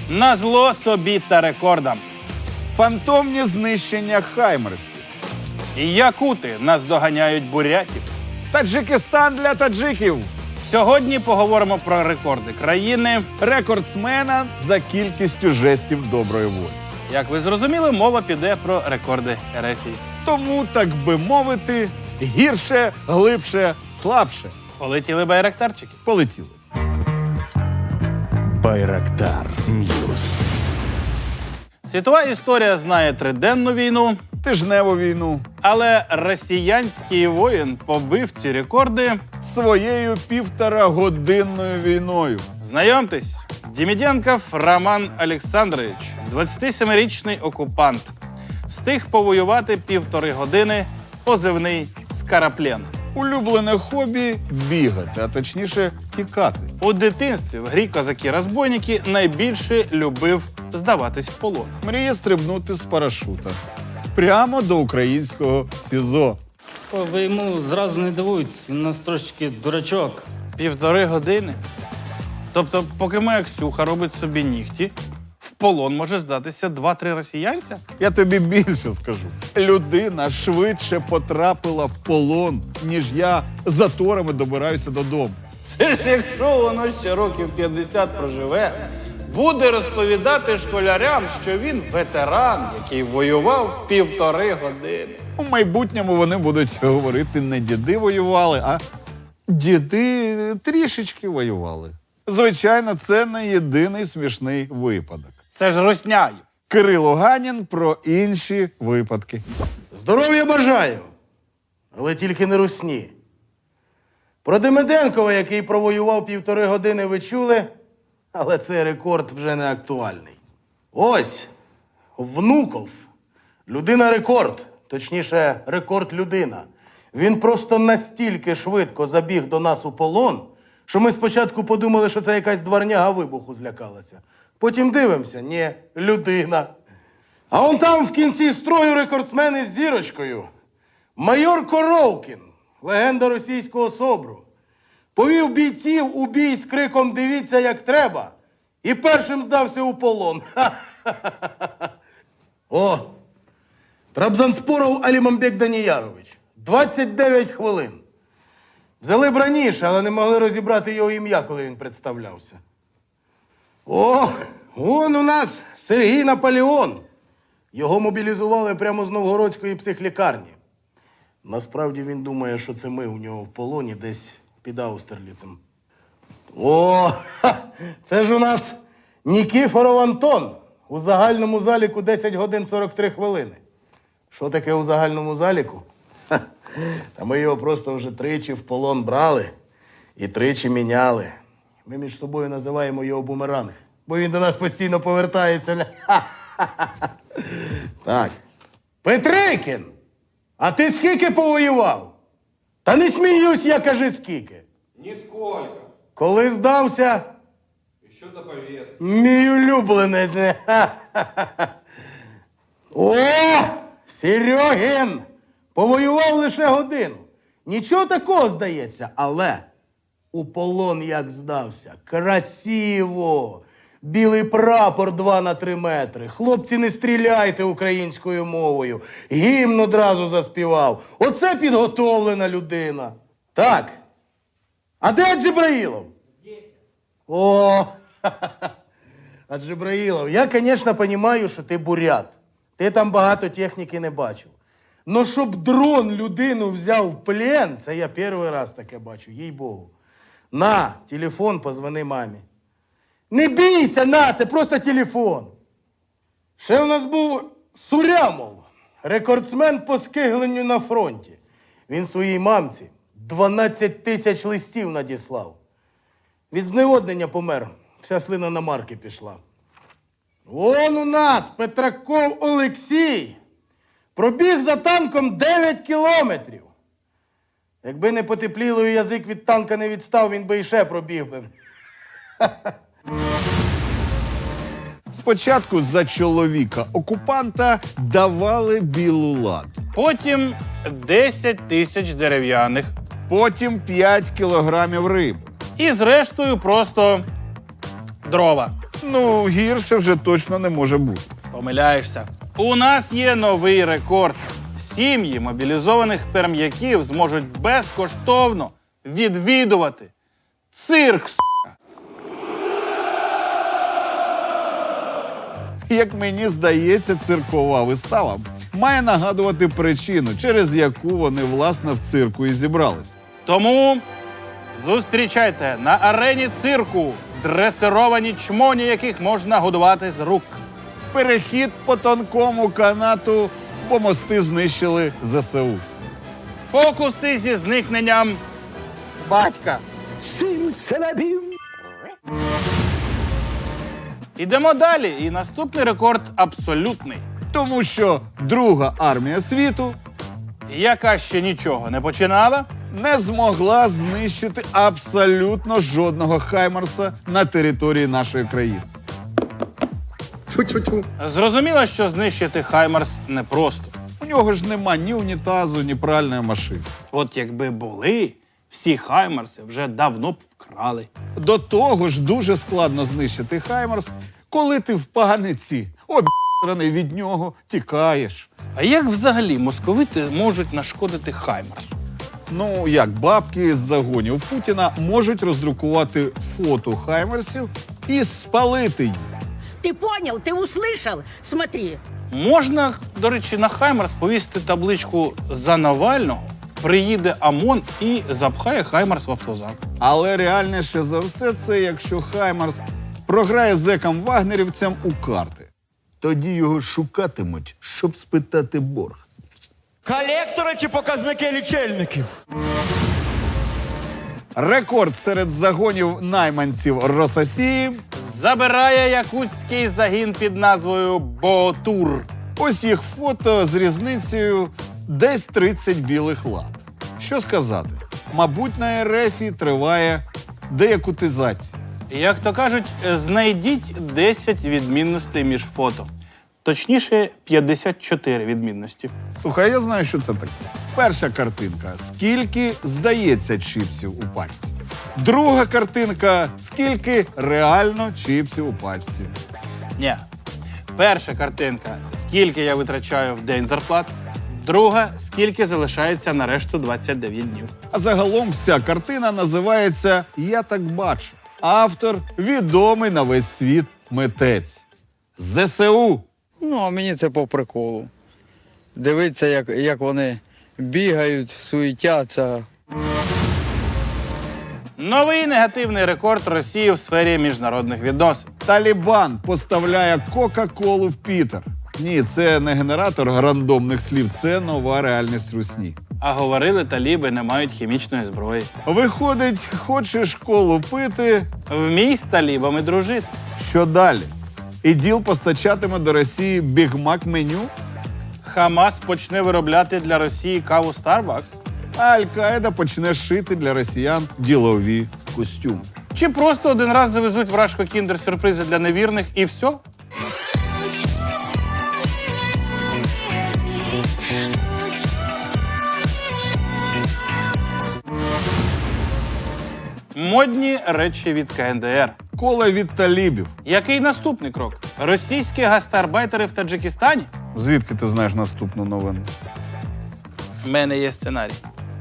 Назло собі та рекордам. Фантомні знищення хаймерсів. І якути наздоганяють бурятів. Таджикистан для таджиків. Сьогодні поговоримо про рекорди країни. Рекордсмена за кількістю жестів доброї волі. Як ви зрозуміли, мова піде про рекорди Ерефії. Тому, так би мовити, гірше, глибше, слабше. Полетіли байрактарчики. Полетіли. Байрактар Ньюс. Світова історія знає триденну війну, Тижневу війну. але росіянський воїн побив ці рекорди. Своєю 1,5-годинною війною. Знайомтесь, Деміденков Роман Олександрович, 27-річний окупант. Встиг повоювати 1,5 години, позивний «Скараплен». Улюблене хобі – бігати, а точніше тікати. У дитинстві в грі «Козаки-розбойники» найбільше любив здаватись в полон. Мріє стрибнути з парашута. Прямо до українського СІЗО. Ви йому зразу не дивуйтесь, він у нас трошечки дурачок. 1,5 години? Тобто, поки моя Ксюха робить собі нігті, в полон може здатися 2-3 росіянця? Я тобі більше скажу. Людина швидше потрапила в полон, ніж я заторами добираюся додому. Це ж якщо воно ще років 50 проживе, буде розповідати школярям, що він ветеран, який воював 1,5 години. У майбутньому вони будуть говорити, не діди воювали, а діди трішечки воювали. Звичайно, це не єдиний смішний випадок. Це ж русняю. Кирило Ганін про інші випадки. Здоров'я бажаю, але тільки не русні. Про Демиденкова, який провоював 1,5 години, ви чули, але цей рекорд вже не актуальний. Ось, Внуков. Людина-рекорд, точніше, рекорд-людина. Він просто настільки швидко забіг до нас у полон, що ми спочатку подумали, що це якась дворняга вибуху злякалася. Потім дивимося, ні, людина. А он там в кінці строю рекордсмен із зірочкою. Майор Коровкін, легенда російського СОБРу. Повів бійців у бій з криком «Дивіться, як треба!» і першим здався у полон. О, Трабзанспоров Алімамбек Даніярович. 29 хвилин. Взяли б раніше, але не могли розібрати його ім'я, коли він представлявся. О, вон у нас Сергій Наполеон. Його мобілізували прямо з Новгородської психлікарні. Насправді він думає, що це ми у нього в полоні десь під Аустерліцем. О, це ж у нас Нікіфоров Антон. У загальному заліку 10 годин 43 хвилини. Що таке у загальному заліку? Та ми його просто вже тричі в полон брали і тричі міняли. Ми між собою називаємо його бумеранг, бо він до нас постійно повертається. Так. Петрикін, а ти скільки повоював? Та не сміюсь, я кажи скільки. Нисколько. Коли здався? Еще до повестки. Мій улюбленець. О, Серьогін! Повоював лише годину. Нічого такого, здається, але у полон як здався. Красиво! Білий прапор 2 на 3 метри. Хлопці, не стріляйте українською мовою. Гімн одразу заспівав. Оце підготовлена людина. Так. А де Джибраїлов? О, а Джибраїлов, я, звісно, розумію, що ти бурят. Ти там багато техніки не бачив. Но щоб дрон людину взяв в плен, це я перший раз таке бачу, їй-богу. На, телефон, позвони мамі. Не бійся, на, це просто телефон. Ще в нас був Сурямов, рекордсмен по скигленню на фронті. Він своїй мамці 12 тисяч листів надіслав. Від зневоднення помер, вся слина на марки пішла. Вон у нас Петраков Олексій. Пробіг за танком 9 кілометрів. Якби не потепліло і язик від танка не відстав, він би іще пробіг би. Спочатку за чоловіка окупанта давали білу ладу. Потім 10 тисяч дерев'яних. Потім 5 кілограмів риби. І зрештою просто дрова. Ну, гірше вже точно не може бути. Помиляєшся. У нас є новий рекорд. Сім'ї мобілізованих перм'яків зможуть безкоштовно відвідувати цирк. Як мені здається, циркова вистава має нагадувати причину, через яку вони, власне, в цирку і зібрались. Тому зустрічайте на арені цирку дресировані чмоні, яких можна годувати з рук. Перехід по тонкому канату, бо мости знищили ЗСУ. Фокуси зі зникненням батька. Ідемо далі. І наступний рекорд абсолютний. Тому що Друга армія світу Яка ще нічого не починала, не змогла знищити абсолютно жодного Хаймарса на території нашої країни. зрозуміло, що знищити Хаймарс непросто. У нього ж нема ні унітазу, ні пральної машини. От якби були, всі Хаймарси вже давно б вкрали. До того ж дуже складно знищити Хаймарс, коли ти в паниці, об'єраний від нього, тікаєш. А як взагалі московити можуть нашкодити Хаймарсу? Ну, як бабки з загонів Путіна можуть роздрукувати фото Хаймарсів і спалити їх. Ты понял? Ты услышал? Смотри. Можна, до речі, на Хаймарс повісити табличку «За Навального», приїде ОМОН і запхає Хаймарс в автозак. Але реальніше за все це, якщо Хаймарс програє зекам-вагнерівцям у карти. Тоді його шукатимуть, щоб спитати борг. Колектори чи показники лічильників? Рекорд серед загонів найманців Рососії. Забирає якутський загін під назвою «Ботур». Ось їх фото з різницею десь 30 білих лад. Що сказати? Мабуть, на РФі триває деякутизація. Як то кажуть, знайдіть 10 відмінностей між фото. Точніше, 54 відмінності. Слухай, я знаю, що це таке. Перша картинка. Скільки здається чіпсів у пачці. Друга картинка. Скільки реально чіпсів у пачці. Ні. Перша картинка – скільки я витрачаю в день зарплат. Друга – скільки залишається на решту 29 днів. А загалом вся картина називається «Я так бачу». Автор – відомий на весь світ митець. ЗСУ. Ну, а мені це по приколу. Дивитися, як вони бігають, суетяться. Новий негативний рекорд Росії в сфері міжнародних відносин. Талібан поставляє Кока-Колу в Пітер. Ні, це не генератор рандомних слів, це нова реальність русні. А говорили, таліби не мають хімічної зброї. Виходить, хочеш колу пити, Вмій з талібами дружити. що далі? ІДІЛ постачатиме до Росії бігмак-меню, Хамас почне виробляти для Росії каву Starbucks. а Аль-Каїда почне шити для росіян ділові костюми. Чи просто один раз завезуть в Рашко кіндер-сюрпризи для невірних і все? Модні речі від КНДР. Кола від талібів. Який наступний крок? Російські гастарбайтери в Таджикистані? Звідки ти знаєш наступну новину? У мене є сценарій.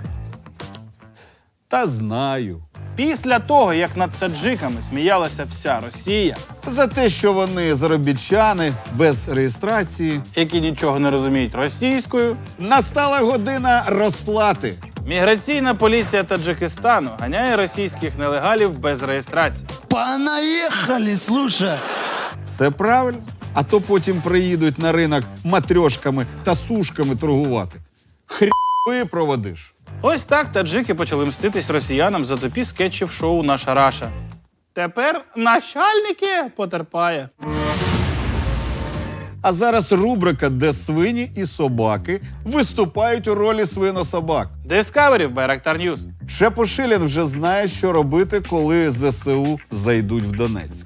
Та знаю. Після того, як над таджиками сміялася вся Росія, За те, що вони заробітчани без реєстрації, які нічого не розуміють російською, настала година розплати. міграційна поліція Таджикистану ганяє російських нелегалів без реєстрації. Понаїхали, слушай. Все правильно. А то потім приїдуть на ринок матрьошками та сушками торгувати. Хрі проводиш. Ось так таджики почали мститись росіянам за тупі скетчів шоу «Наша Раша». Тепер начальники потерпає. А зараз рубрика, де свині і собаки виступають у ролі свинособак. Discovery в Байрактар Ньюс. Чепушилін вже знає, що робити, коли ЗСУ зайдуть в Донецьк.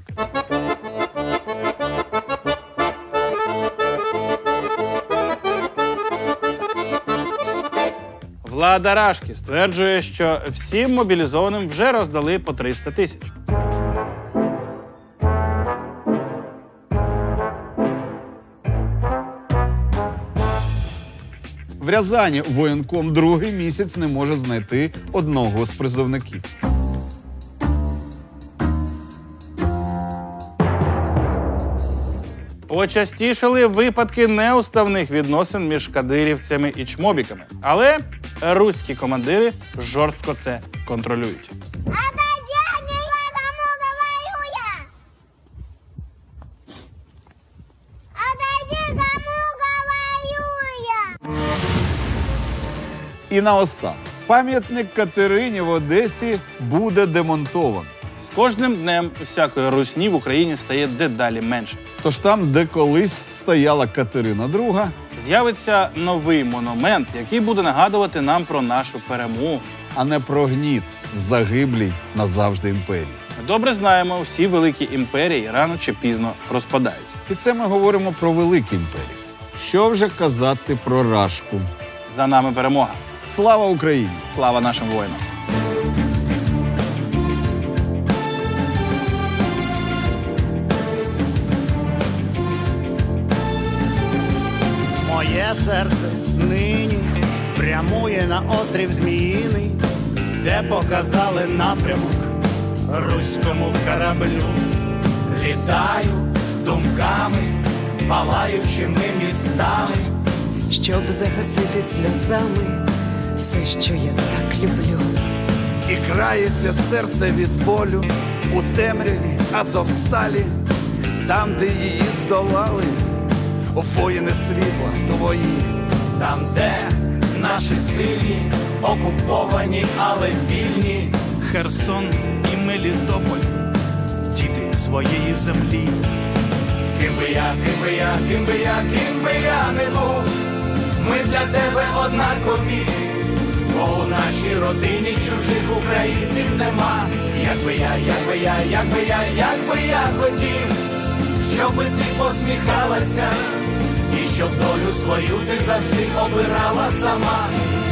Влада Рашки стверджує, що всім мобілізованим вже роздали по 300 тисяч. В Рязані воєнком другий місяць не може знайти одного з призовників. Почастішали випадки неуставних відносин між кадирівцями і чмобіками. Але руські командири жорстко це контролюють. І наостанок. Пам'ятник Катерині в Одесі буде демонтовано. З кожним днем усякої русні в Україні стає дедалі менше. Тож там, де колись стояла Катерина II, З'явиться новий монумент, який буде нагадувати нам про нашу перемогу. а не про гніт в загиблій назавжди імперії. Ми добре знаємо, всі великі імперії рано чи пізно розпадаються. І це ми говоримо про великі імперії. Що вже казати про Рашку? За нами перемога. Слава Україні! Слава нашим воїнам! Моє серце нині прямує на острів Зміїний, де показали напрямок руському кораблю. Літаю думками, палаючими містами, щоб загасити сльозами все, що я так люблю. і крається серце від болю у темряві Азовсталі, там, де її здолали воїни світла твої, там, де наші сильні, окуповані, але вільні. Херсон і Мелітополь, діти своєї землі. Ким би я не був, ми для тебе однакові, бо у нашій родині чужих українців нема. Якби я хотів, щоби ти посміхалася, і щоб долю свою ти завжди обирала сама.